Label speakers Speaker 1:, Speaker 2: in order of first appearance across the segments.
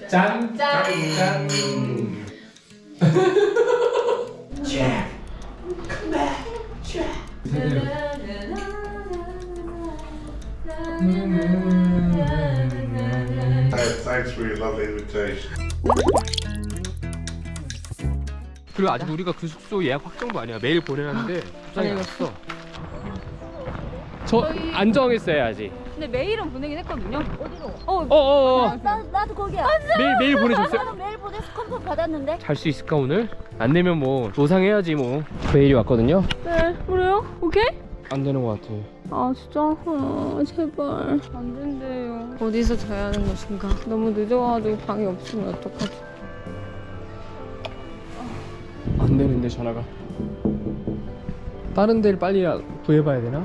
Speaker 1: 짠! 짠! 짠!
Speaker 2: Jack, come back, Jack.
Speaker 3: Thanks for your lovely invitation.
Speaker 1: 그리고 아직 우리가 그 숙소 예약 확정도 아니야. 메일 보내놨는데 부산에 갔어. 저 안 정했어요 아직.
Speaker 4: 근데 메일은 보내긴 했거든요. 어디로?
Speaker 5: 나도 거기야.
Speaker 1: 메일 보내줬어요?
Speaker 5: 나도 메일 보내서 컨펌 받았는데.
Speaker 1: 잘 수 있을까 오늘? 안 되면 뭐 노상해야지 뭐. 메일이 왔거든요.
Speaker 4: 네, 그래요? 오케이?
Speaker 1: 안 되는 것 같아.
Speaker 4: 아 진짜? 아, 제발 안 된대요. 어디서 자야 하는 것인가? 너무 늦어가지고 방이 없으면 어떡하지?
Speaker 1: 안 되는데 전화가. 다른 데를 빨리 구해봐야 되나?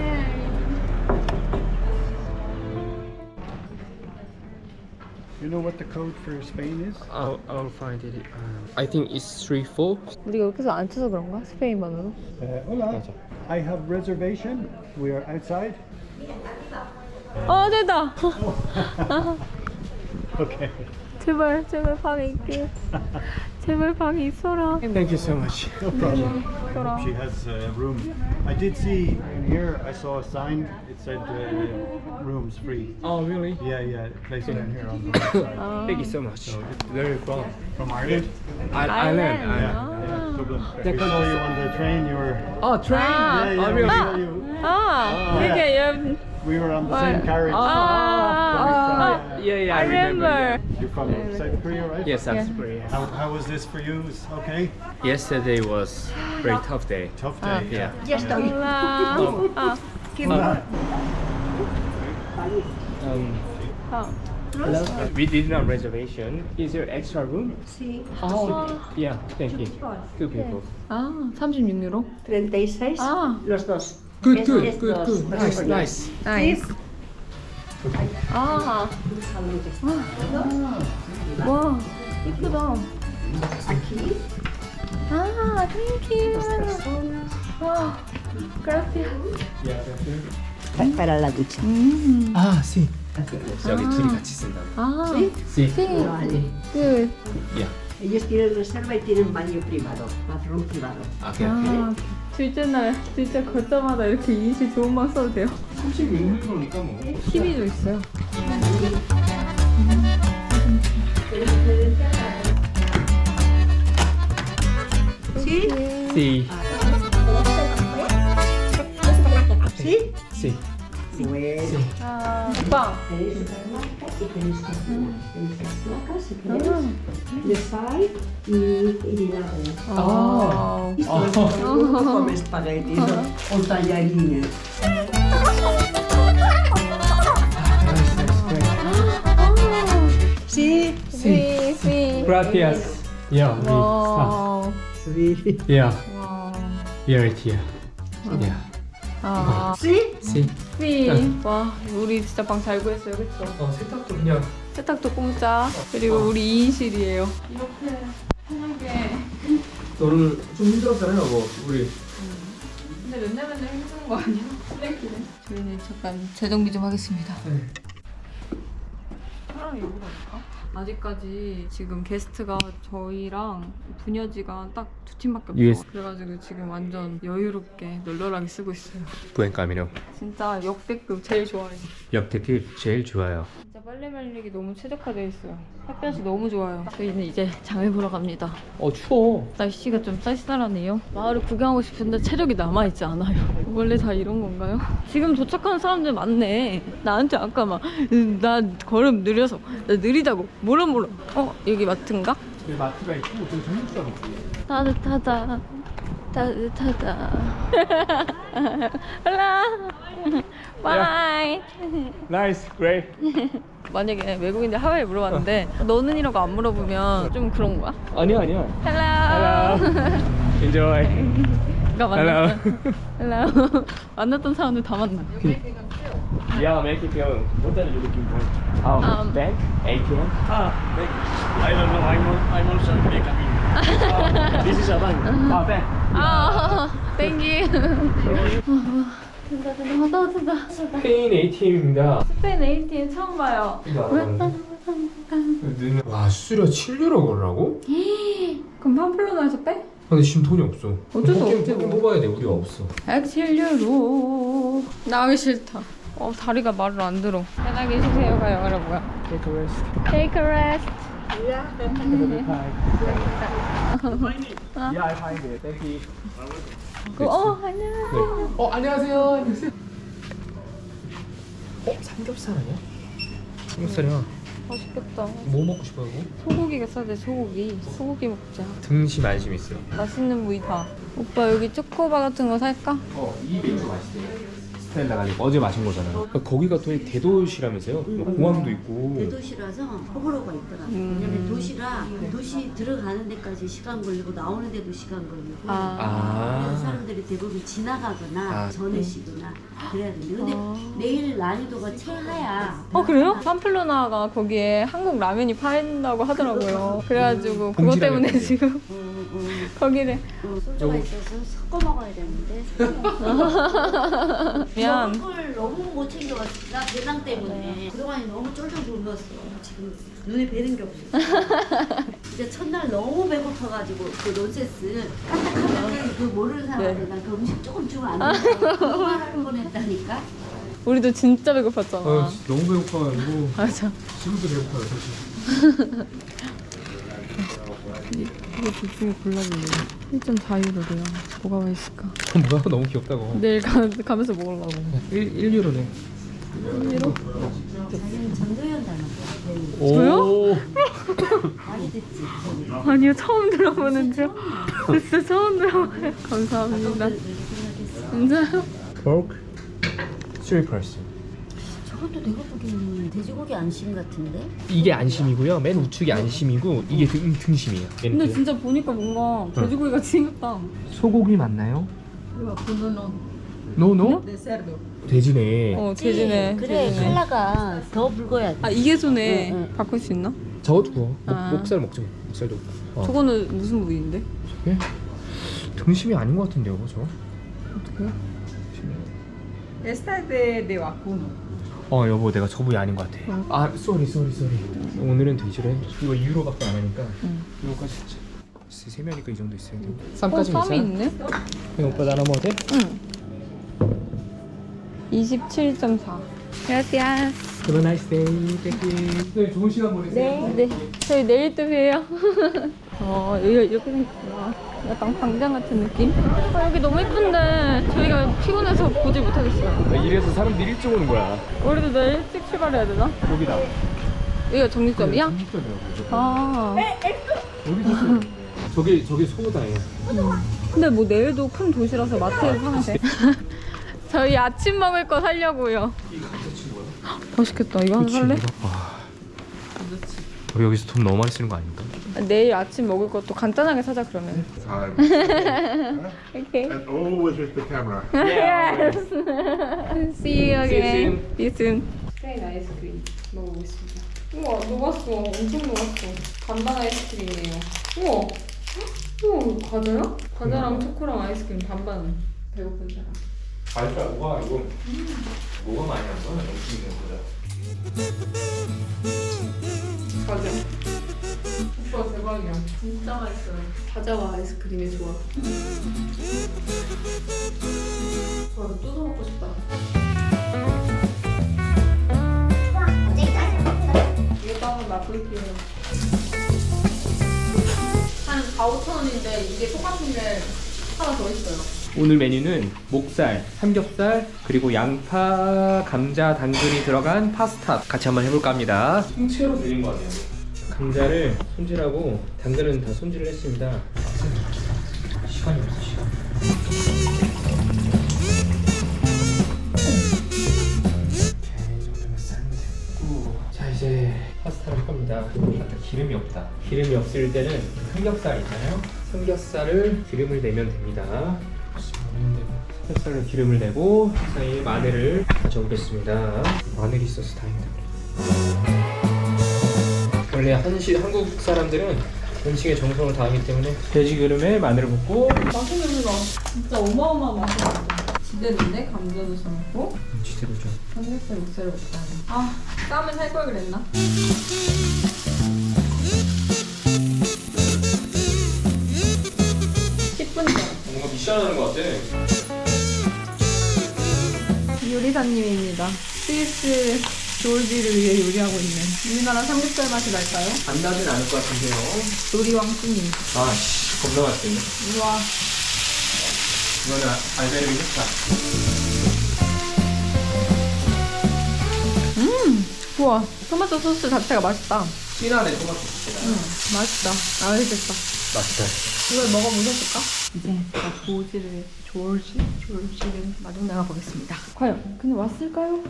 Speaker 6: You know what the code for Spain is?
Speaker 1: I'll find it. I think it's 3-4.
Speaker 4: 우리가 여기서 안 쳐서 그런가? 스페인만으로?
Speaker 6: Hola.
Speaker 1: 맞아.
Speaker 6: I have reservation. We are outside.
Speaker 4: 됐다!
Speaker 6: Okay.
Speaker 4: 제발 방에 있게. 제발 방에 있어라.
Speaker 1: Thank you so much.
Speaker 6: No problem.
Speaker 4: 있어라.
Speaker 6: She has a room. I did see in here. I saw a sign. It said rooms free.
Speaker 1: Oh really?
Speaker 6: Yeah. Place down here on the right side.
Speaker 1: Thank you so much. Where are you from?
Speaker 6: From Ireland.
Speaker 1: Ireland.
Speaker 6: Yeah. Dublin. We saw you on the train. You were.
Speaker 1: Oh train.
Speaker 6: Yeah.
Speaker 1: Oh
Speaker 6: We
Speaker 1: really?
Speaker 6: saw you.
Speaker 4: 이렇게
Speaker 6: We were on the same carriage.
Speaker 1: Yeah,
Speaker 4: I remember.
Speaker 6: You're from South Korea, right?
Speaker 1: Yes, South Korea.
Speaker 6: How was this for you? Is okay?
Speaker 1: Yesterday was very tough day.
Speaker 6: Tough day.
Speaker 1: Yeah. Hello. We did not reservation. Is there extra room?
Speaker 5: Sí.
Speaker 1: Oh, yeah. Thank you. Two people.
Speaker 4: 36유로?
Speaker 5: 36. Los dos.
Speaker 1: Good,
Speaker 5: Es-
Speaker 1: good,
Speaker 5: es
Speaker 1: good,
Speaker 5: dos.
Speaker 1: good. Nice, nice.
Speaker 4: 나이스. 와, 이쁘다.
Speaker 5: Aquí.
Speaker 4: 땡큐. 와, gracias.
Speaker 5: Para la ducha.
Speaker 1: Ah, sí. 여기 둘이 같이 쓴다고. Sí.
Speaker 5: Vale.
Speaker 4: Good.
Speaker 1: Yeah.
Speaker 5: Ellos tienen reserva y tienen baño privado, bathroom privado.
Speaker 1: Okay, okay.
Speaker 4: 둘째 날, 둘째 걷자마자 이렇게 인실 좋은 방 써도 돼요?
Speaker 1: 36유로니까 뭐.
Speaker 4: TV도 있어요.
Speaker 5: ¿Sí?
Speaker 1: Sí.
Speaker 5: ¿Sí?
Speaker 1: Sí.
Speaker 5: Bueno.
Speaker 4: 빵.
Speaker 5: Tenéis otra marca y tenéis cocina. Tenéis las placas, si queréis. De sal y vinagre.
Speaker 4: 아.
Speaker 5: Esto es como espagueti o tallarines. ¿Sí?
Speaker 4: Sí, sí.
Speaker 1: Gracias. Yeah, we
Speaker 4: 와.
Speaker 5: Sí.
Speaker 1: Yeah,
Speaker 4: 와.
Speaker 1: here, here. Yeah.
Speaker 4: 아.
Speaker 5: ¿Sí?
Speaker 1: Sí.
Speaker 4: 피. 와, 우리 진짜 방 잘 구했어요, 그쵸?
Speaker 1: 세탁도 그냥.
Speaker 4: 세탁도 공짜. 그리고 우리 2인실이에요. 이렇게 편하게.
Speaker 1: 너는 좀 힘들었잖아요, 뭐 우리.
Speaker 4: 근데 맨날 힘든 거 아니야? 쓰레기네. 저희는 잠깐 재정비 좀 하겠습니다.
Speaker 1: 네.
Speaker 4: 사람이 여기로 올까? 아직까지 지금 게스트가 저희랑 부녀지가 딱 두 팀밖에 없어.
Speaker 1: US.
Speaker 4: 그래가지고 지금 완전 여유롭게 널널하게 쓰고 있어요.
Speaker 1: 부엔 까미노.
Speaker 4: 진짜 역대급 제일 좋아해요.
Speaker 1: 역대급 제일 좋아요.
Speaker 4: 진짜 빨래 말리기 너무 최적화되어 있어요. 햇볕이 너무 좋아요. 저희는 이제 장을 보러 갑니다.
Speaker 1: 추워.
Speaker 4: 날씨가 좀 쌀쌀하네요. 마을을 구경하고 싶은데 체력이 남아있지 않아요. 원래 다 이런 건가요? 지금 도착하는 사람들 많네. 나한테 아까 막 나 걸음 느려서 나 느리다고 뭐라 여기 마트인가?
Speaker 1: 여기 마트가 있고 저기 정육점 있고.
Speaker 4: 따뜻하다 따뜻하다 헬라 바이.
Speaker 1: Nice, great.
Speaker 4: 만약에 외국인들 하와이 물어봤는데 너는이라고 안 물어보면 좀 그런 거야?
Speaker 1: 아니야.
Speaker 4: 헬로
Speaker 1: Enjoy.
Speaker 4: 가 만났어. 헬로 만났던 사람들 다 만나.
Speaker 1: Yeah, make it feel. What are you looking for? Bank? ATM?
Speaker 6: Bank. I don't know. I'm also becoming. This is a bank.
Speaker 1: Bank.
Speaker 4: 아, 땡기. 된다 된다.
Speaker 1: 스페인 ATM입니다.
Speaker 4: 스페인 ATM 처음 봐요.
Speaker 1: 와 수수료 7유로 걸라고?
Speaker 4: 그럼 팜플로나에서 빼?
Speaker 1: 근데 지금 돈이 없어.
Speaker 4: 어쩔 수 없지,
Speaker 1: 포켓
Speaker 4: 뭐.
Speaker 1: 뽑아야 돼. 우리가 없어.
Speaker 4: 107유로. 나가기 싫다. 다리가 말을 안 들어. 편하게 쉬세요 가요. 그래 뭐야?
Speaker 1: Take a rest.
Speaker 4: Take a rest.
Speaker 1: Yeah, I find it. Thank you.
Speaker 4: 안녕.
Speaker 1: 안녕하세요. 삼겹살 아니야? 삼겹살이야.
Speaker 4: 맛있겠다.
Speaker 1: 뭐 먹고 싶어요?
Speaker 4: 소고기가 싸대 소고기. 소고기 먹자.
Speaker 1: 등심 안심 있어요.
Speaker 4: 맛있는 부위 다. 오빠 여기 초코바 같은 거 살까?
Speaker 1: 이 맥주 맛있대요. 스텔라 가지고 어제 마신 거잖아요. 거기가 또 대도시라면서요? 공항도 있고.
Speaker 7: 대도시라서 호불호가 있더라. 왜냐면 도시라 도시 들어가는 데까지 시간 걸리고 나오는 데도 시간 걸리고. 그래서 사람들이 대부분 지나가거나 전에 쉬거나 그래야 되는데 근데 내일 난이도가 최하야.
Speaker 4: 그래요? 팜플로나가 거기에 한국 라면이 팔린다고 하더라고요. 그래가지고 그것 때문에 지금 거기를
Speaker 7: 소주가 있어서 섞어 먹어야 되는데.
Speaker 4: 미안.
Speaker 7: 먹을 걸 너무 못 챙겨왔어. 나 배낭 때문에. 그동안에 너무 쫄쫄 굶었어. 지금 눈에 뵈는 게 없어. 진짜 첫날 너무 배고파가지고 그 논세스 까딱하면 그 모르는 사람한테 난 그 음식 조금 주면 안 된다고 그 말할 뻔했다니까.
Speaker 4: 우리도 진짜 배고팠잖아.
Speaker 1: 너무 배고파가지고.
Speaker 4: 맞아.
Speaker 1: 지금도 배고파요 사실.
Speaker 4: 이거 둘 중에 골라볼래. 1.4유로래요. 뭐가 있을까?
Speaker 1: 뭐야? 너무 귀엽다고.
Speaker 4: 내일 가면서 먹으려고.
Speaker 1: 1유로네.
Speaker 4: 1유로?
Speaker 7: 자기는 전도연 닮았어.
Speaker 1: 저요?
Speaker 7: 많이 듣지.
Speaker 4: 아니요, 처음 들어보는 줄. 진짜 처음 들어봐요. 감사합니다. 진짜요?
Speaker 1: Pork 3%.
Speaker 7: 저것도 내가 보기에는 돼지고기 안심 같은데?
Speaker 1: 이게 안심이고요. 맨 우측이 안심이고 이게 등심이에요.
Speaker 4: 근데 진짜 보니까 뭔가 돼지고기 같이 생겼다.
Speaker 1: 소고기 맞나요? 노노? 돼지네.
Speaker 4: 돼지네.
Speaker 7: 그래
Speaker 4: 돼지네.
Speaker 7: 칼라가 더 붉어야 돼.
Speaker 4: 이게 손에 바꿀 수 있나?
Speaker 1: 저것도 구워.
Speaker 4: 아.
Speaker 1: 목살 먹죠. 목살도.
Speaker 4: 저거는 무슨 부위인데?
Speaker 1: 저게 등심이 아닌 것 같은데요, 저?
Speaker 4: 어떡해요?
Speaker 8: Esta es de vacuno.
Speaker 1: 여보, 내가 저 부위 아닌 것 같아. 쏘리. 오늘은 돼지래. 이거 유로밖에 안 하니까. 이거까지 진짜. 3명이니까 이 정도 있어야 돼. 쌈까지
Speaker 4: 쌈이
Speaker 1: 있어요?
Speaker 4: 있네?
Speaker 1: 오빠 나눠 먹어도 돼?
Speaker 4: 응. 27.4. Gracias.
Speaker 1: Have a nice day. Thank you. 네, 좋은 시간 보내세요.
Speaker 4: 네. 저희 내일 또 봬요. 여기가 이렇게 생겼구나. 약간 광장 같은 느낌? 여기 너무 예쁜데 저희가 피곤해서 보지 못하겠어요.
Speaker 1: 이래서 사람들이 일찍 오는 거야.
Speaker 4: 우리도 내일 일찍 출발해야 되나?
Speaker 1: 여기다.
Speaker 4: 여기가 정육점이야?
Speaker 1: 정육점이라고.
Speaker 4: 아.
Speaker 1: 저기 소보다예요.
Speaker 4: 근데 뭐 내일도 큰 도시라서 마트에서 사면 돼. 저희 아침 먹을 거 사려고요. 맛있겠다. 이거 하나 살래?
Speaker 1: 우리 여기서 돈 너무 많이 쓰는 거 아닌가?
Speaker 4: 내일 아침 먹을 것도 간단하게 사자 그러면.
Speaker 3: Time.
Speaker 4: 오케이.
Speaker 3: And always with the camera.
Speaker 4: Yes. See you again.
Speaker 1: See you
Speaker 4: See you soon. 스페인 아이스크림 먹어보겠습니다. 우와 녹았어. 엄청 녹았어. 반반 아이스크림이에요. 우와. 우와 과자야? 과자랑 초코랑 아이스크림 반반. 배고픈 사람.
Speaker 1: 알까? 뭐가 이거 뭐가 많이 안 써? 엄청 있는 거다.
Speaker 4: 과자. 오빠 대박이야. 진짜 맛있어요. 과자와 아이스크림의 조합. 이거 뜯어 먹고 싶다. 이것도 한번 맛볼게요. 한 4,000~5,000원인데 이게 똑같은 게 하나 더 있어요.
Speaker 1: 오늘 메뉴는 목살, 삼겹살, 그리고 양파, 감자, 당근이 들어간 파스타 같이 한번 해볼까 합니다. 통째로 드린 거 같아요. 감자를 손질하고 당근은 다 손질을 했습니다. 시간이 없어, 시간. 이 정도면 삶이 됐고, 자 이제 파스타를 할 겁니다. 아까 기름이 없다. 기름이 없을 때는 삼겹살 있잖아요. 삼겹살을 기름을 내면 됩니다. 삼겹살로 기름을 내고 사이에 마늘을 가져오겠습니다. 마늘이 있어서 다행이다. 원래 한국 사람들은 음식에 정성을 다하기 때문에 돼지 기름에 마늘을 붓고
Speaker 4: 맛있는 거 진짜 어마어마한 맛이 나. 지대로인데 감자도 삶고
Speaker 1: 지대로죠.
Speaker 4: 삼겹살 육살을 못하네. 아 쌈은 살 걸 그랬나? 10분 전.
Speaker 1: 뭔가 미션 하는 것 같아.
Speaker 4: 요리사님입니다. 스위스 조울지를 위해 요리하고 있는 우리나라 삼겹살 맛이 날까요?
Speaker 1: 안 나진 않을 것 같은데요.
Speaker 4: 요리 왕꾸님.
Speaker 1: 아씨, 겁나 맛있겠네.
Speaker 4: 우와.
Speaker 1: 이거는 알베르기 좋다.
Speaker 4: 우와. 토마토 소스 자체가 맛있다.
Speaker 1: 진하네 토마토 소스가.
Speaker 4: 맛있다. 맛있겠다.
Speaker 1: 맛있다.
Speaker 4: 이걸 먹어보셨을까? 이제 조울지를 마중 나가 보겠습니다. 과연 근데 왔을까요?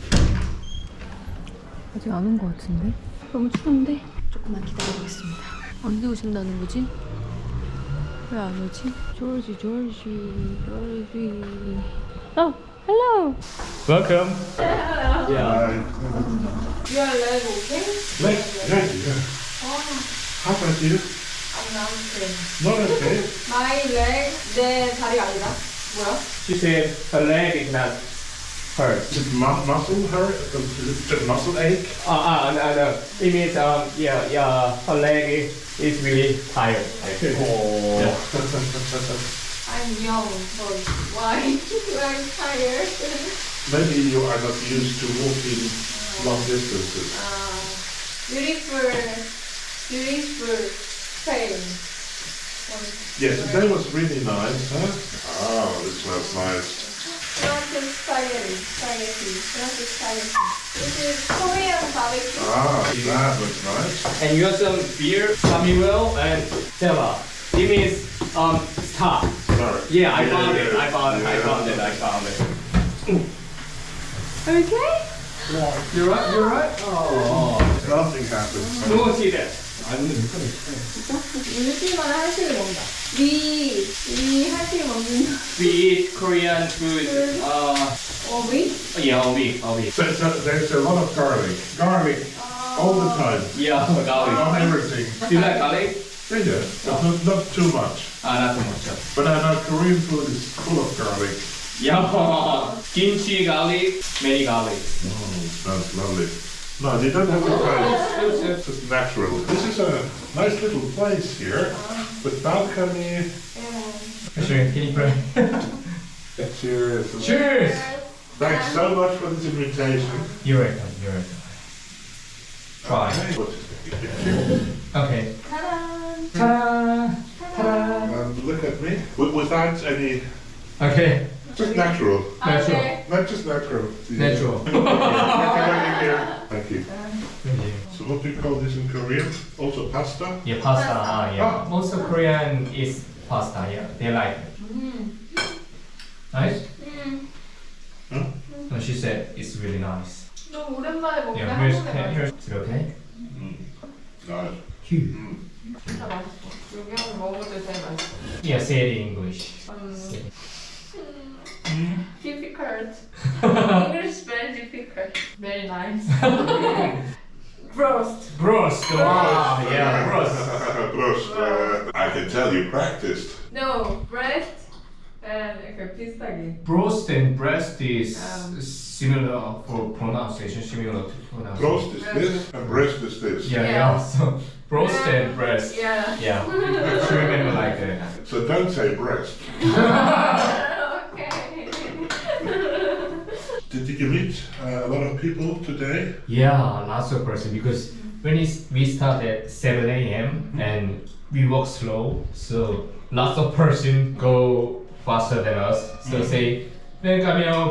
Speaker 4: 아직 안 온 것 같은데? 너무 추운데? 조금만 기다려보겠습니다. 언제 오신다는 거지? 왜 안 오지? 조울지. 어, hello.
Speaker 1: Welcome.
Speaker 3: Right.
Speaker 4: You are leg okay?
Speaker 3: Leg, yeah. How about you?
Speaker 4: I'm not okay.
Speaker 3: Not okay.
Speaker 4: My leg, 내 다리 아니다. 뭐야?
Speaker 1: She said her leg is not hurt.
Speaker 3: Is it muscle hurt? Is it muscle ache?
Speaker 1: No. It means yeah, her leg is really tired.
Speaker 3: Oh.
Speaker 4: I'm young, but why? I'm tired.
Speaker 3: Maybe you are not used to walking long distances.
Speaker 4: Beautiful pain.
Speaker 3: Yes, today was really nice, huh? Oh, this smells nice.
Speaker 4: This is Korean barbecue.
Speaker 3: Ah, that looks nice.
Speaker 1: And you have some beer, Samuel, and Stella. It means stop.
Speaker 3: Sorry.
Speaker 1: Yeah, I found
Speaker 3: yeah,
Speaker 1: it.
Speaker 3: yeah.
Speaker 1: I found it.
Speaker 4: Okay?
Speaker 1: You're right. Oh.
Speaker 3: Nothing happens.
Speaker 1: No see that.
Speaker 4: 일주일 만에 한식을 먹는다. 위 한식 먹는다.
Speaker 1: We eat Korean food.
Speaker 4: 위?
Speaker 1: Yeah, a week.
Speaker 3: So there's a lot of garlic all the time,
Speaker 1: Yeah, garlic.
Speaker 3: on everything.
Speaker 1: Do you like garlic?
Speaker 3: Yeah, but not too much.
Speaker 1: Not too much.
Speaker 3: But I know Korean food is full of garlic.
Speaker 1: Yeah, kimchi garlic, many garlic.
Speaker 3: Oh, smells lovely. No, you don't have to try it. It's just natural. This is a nice little place here with balcony.
Speaker 1: Sure, can you pray?
Speaker 3: Cheers.
Speaker 1: Cheers!
Speaker 3: Thanks so much for this invitation.
Speaker 1: You're welcome. Try. Okay. Ta-da! Ta-da!
Speaker 3: And look at me. Without any,
Speaker 1: Okay.
Speaker 3: just natural.
Speaker 1: Natural.
Speaker 3: Not just natural.
Speaker 1: Natural.
Speaker 3: Thank you. So what do you call this in Korean? Also pasta?
Speaker 1: Yeah, pasta. Yeah. Most of Korean is pasta. Yeah, they like it. Nice.
Speaker 3: Huh?
Speaker 1: No, she said it's really nice.
Speaker 4: 너무 오랜만에 먹는
Speaker 1: Yeah, here's is it okay?
Speaker 3: Nice.
Speaker 1: Huge.
Speaker 4: 진짜 맛있어. 여기 한번 먹어볼 때 제일 맛있어.
Speaker 1: Yeah, say it in English.
Speaker 4: Difficult. English very difficult. Very nice. Roast.
Speaker 1: Brost. Wow. Yeah, brost.
Speaker 3: Prost. I can tell you practiced.
Speaker 4: No, breast and 이렇게 비슷하게.
Speaker 1: Brost and breast is similar for pronunciation, similar to pronunciation.
Speaker 3: Prost is this and breast is this.
Speaker 1: Yeah. So brost and breast.
Speaker 4: Yeah.
Speaker 1: Yeah. She remember like that.
Speaker 3: So don't say breast.
Speaker 4: Okay.
Speaker 3: Did you meet a lot of people today?
Speaker 1: Yeah, lots of person because when we start at 7 a.m. and we walk slow, so lots of person go faster than us. So say, welcome,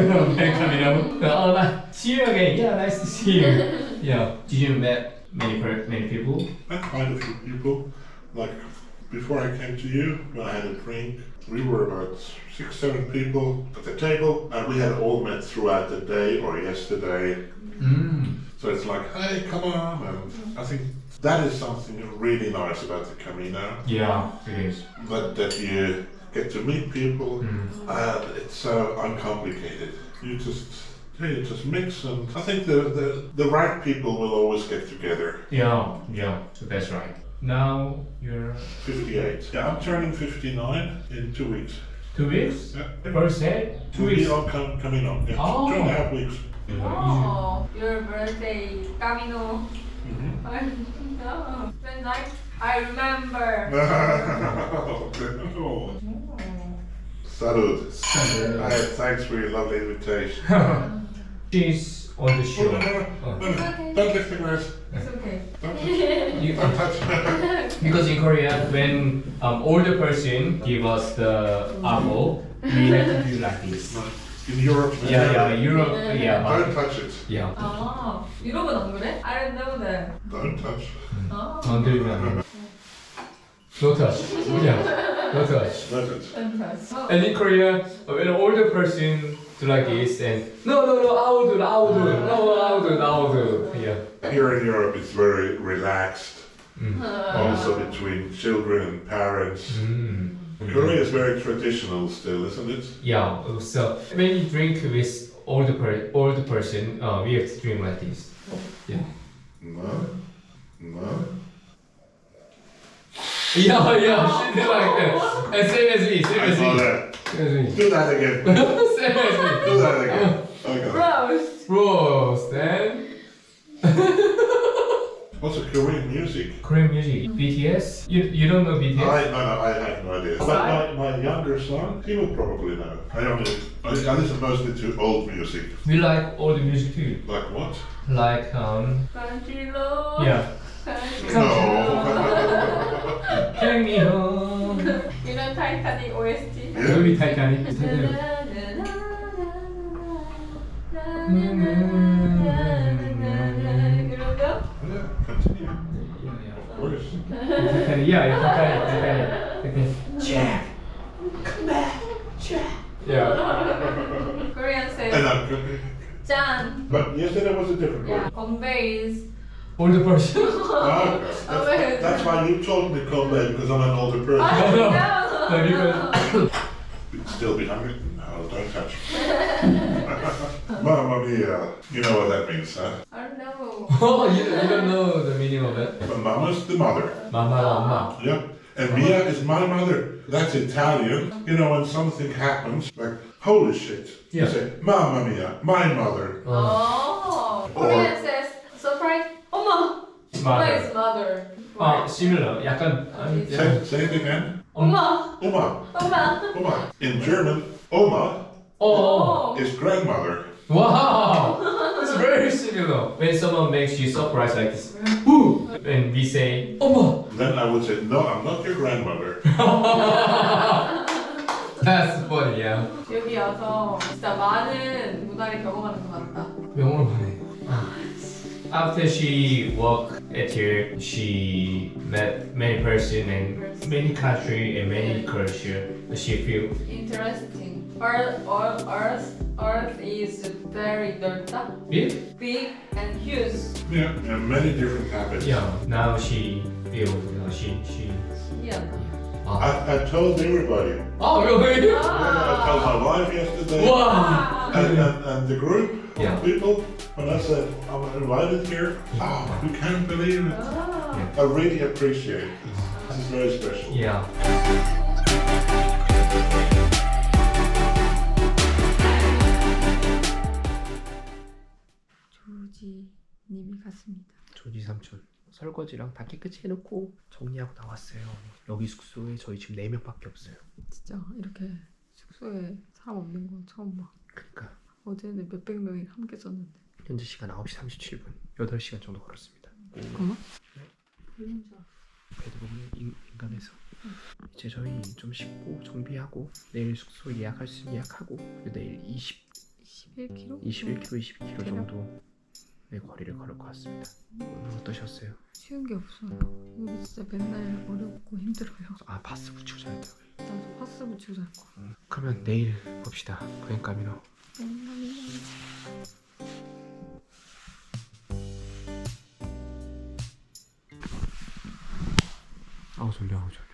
Speaker 1: oh, see you again. Yeah, nice to see you. Yeah. Did you met many people?
Speaker 3: Met quite a few people. Like before I came to you, when I had a drink, we were about 6-7 people at the table, and we had all met throughout the day or yesterday. So it's like, hey, come on, and I think that is something really nice about the Camino.
Speaker 1: Yeah, it is.
Speaker 3: That you get to meet people, and it's so uncomplicated. You just mix, and I think the right people will always get together.
Speaker 1: Yeah, so that's right. Now you're
Speaker 3: 58. Yeah, I'm turning 59 in 2 weeks.
Speaker 1: 2 weeks?
Speaker 3: Yeah.
Speaker 1: First day? 2
Speaker 3: We
Speaker 1: weeks?
Speaker 3: all coming up. Yeah.
Speaker 1: Oh.
Speaker 3: 2.5 weeks.
Speaker 8: Oh, your birthday, Camino.
Speaker 3: Mhm.
Speaker 8: No, when I remember.
Speaker 3: Salud. Thanks for your lovely invitation.
Speaker 1: She's on the
Speaker 3: Oh,
Speaker 1: show.
Speaker 3: no, no, no, no. Don't lift the glass.
Speaker 8: It's okay.
Speaker 3: Don't touch.
Speaker 1: Because in Korea, when older person give us the apple, we have to do like this.
Speaker 3: In Europe.
Speaker 1: Yeah, Europe,
Speaker 3: Don't touch it.
Speaker 1: yeah.
Speaker 8: 아, 유럽은 안 그래? I don't know that.
Speaker 3: Don't touch.
Speaker 8: 아,
Speaker 1: 건들면 no touch. Yeah, no touch.
Speaker 3: Let it.
Speaker 8: fantastic.
Speaker 1: And in Korea, when an older person do like this and no, I will do, I will do. Yeah.
Speaker 3: Here in Europe, it's very relaxed.
Speaker 1: Mm.
Speaker 3: Also between children and parents.
Speaker 1: Mm.
Speaker 3: Korea is very traditional still, isn't it?
Speaker 1: Yeah. So when you drink with older person, we have to drink like this. Yeah.
Speaker 3: No. No.
Speaker 1: Yeah, she did like that. And same as me, same
Speaker 3: I
Speaker 1: as
Speaker 3: saw
Speaker 1: me.
Speaker 3: that.
Speaker 1: Same as me.
Speaker 3: Do that again.
Speaker 1: Same as me.
Speaker 3: Do that again. Okay.
Speaker 8: Roast.
Speaker 1: Roast and
Speaker 3: Also Korean music.
Speaker 1: Korean music. BTS? You don't know BTS?
Speaker 3: I have no idea. But my younger son, he will probably know. I listen mostly to old music.
Speaker 1: We like all the music too.
Speaker 3: Like what?
Speaker 1: Like
Speaker 8: Country road.
Speaker 1: yeah.
Speaker 3: No.
Speaker 1: Take me home.
Speaker 8: You know Titanic OST?
Speaker 3: Yeah.
Speaker 1: movie Titanic.
Speaker 8: You know that?
Speaker 3: Yeah, continue. Of course.
Speaker 1: Yeah, Titanic.
Speaker 2: Jack, come back, Jack.
Speaker 1: Yeah.
Speaker 8: Korean
Speaker 3: And
Speaker 8: says 짠.
Speaker 3: but yesterday was a different
Speaker 8: Yeah,
Speaker 3: word.
Speaker 8: conveys.
Speaker 1: Older person.
Speaker 3: Ah, that's why you told me to come back because I'm an older person.
Speaker 1: No, because
Speaker 3: Still be hungry? No, don't touch me. Mamma mia. You know what that means, huh?
Speaker 8: I don't know.
Speaker 1: oh, you don't know the meaning of it.
Speaker 3: But Mama's the mother.
Speaker 1: Mama, mama.
Speaker 3: Yeah. And Mia is my mother. That's Italian. You know, when something happens, like, holy shit.
Speaker 1: Yeah.
Speaker 3: You say, Mamma mia, my mother.
Speaker 8: Oh, Korean says surprise. 엄마. 엄마
Speaker 1: Mother.
Speaker 8: is mother.
Speaker 1: Similar. 약간
Speaker 3: Say it again.
Speaker 8: 엄마.
Speaker 3: Oma.
Speaker 8: 엄마.
Speaker 3: Oma. In German, Oma
Speaker 1: Oh.
Speaker 3: is grandmother.
Speaker 1: Wow. It's very similar. When someone makes you surprise like this, woo, and we say, "Oma."
Speaker 3: Then I would say, no, I'm not your grandmother.
Speaker 1: That's funny, yeah.
Speaker 8: 여기 와서 진짜 많은 문화를 경험하는 것 같다.
Speaker 1: 영어로 하네. After she worked at here, she met many person and many country and many culture. She feel
Speaker 8: Interesting. Earth is very 넓다,
Speaker 1: big.
Speaker 8: big and huge.
Speaker 3: Yeah. And many different habits.
Speaker 1: Yeah. Now she feel she.
Speaker 8: 신기하다.
Speaker 3: I told everybody.
Speaker 1: Oh really?
Speaker 3: I told my wife yesterday.
Speaker 1: Wow.
Speaker 3: And the group
Speaker 1: Yeah.
Speaker 3: of people, when I said I'm invited here, oh, you can't believe it.
Speaker 8: 아,
Speaker 3: I really appreciate this. This is very special.
Speaker 1: Yeah.
Speaker 4: 조지님이 갔습니다.
Speaker 2: 조지 삼촌 설거지랑 다 깨끗이 해놓고 정리하고 나왔어요. 여기 숙소에 저희 지금 4명밖에 없어요.
Speaker 4: 진짜 이렇게 숙소에 사람 없는 건 처음 봐.
Speaker 2: 그러니까
Speaker 4: 어제는 몇백 명이 함께 잤는데.
Speaker 2: 현재 시간 9시 37분 8시간 정도 걸었습니다.
Speaker 4: 잠깐만.
Speaker 2: 베드룸에 인간에서 이제 저희 좀 씻고 정비하고 내일 숙소 예약할 수 예약하고 내일
Speaker 4: 21km?
Speaker 2: 21km 22km 정도의 거리를 걸을 것 같습니다. 오늘 어떠셨어요?
Speaker 4: 쉬운 게 없어요. 여기 진짜 맨날 어렵고 힘들어요.
Speaker 2: 아 바스 붙이고 자야 돼요.
Speaker 4: 나도 파스 붙이고 잘 거야.
Speaker 2: 그러면 내일 봅시다. 그행까미노. 아우 졸려.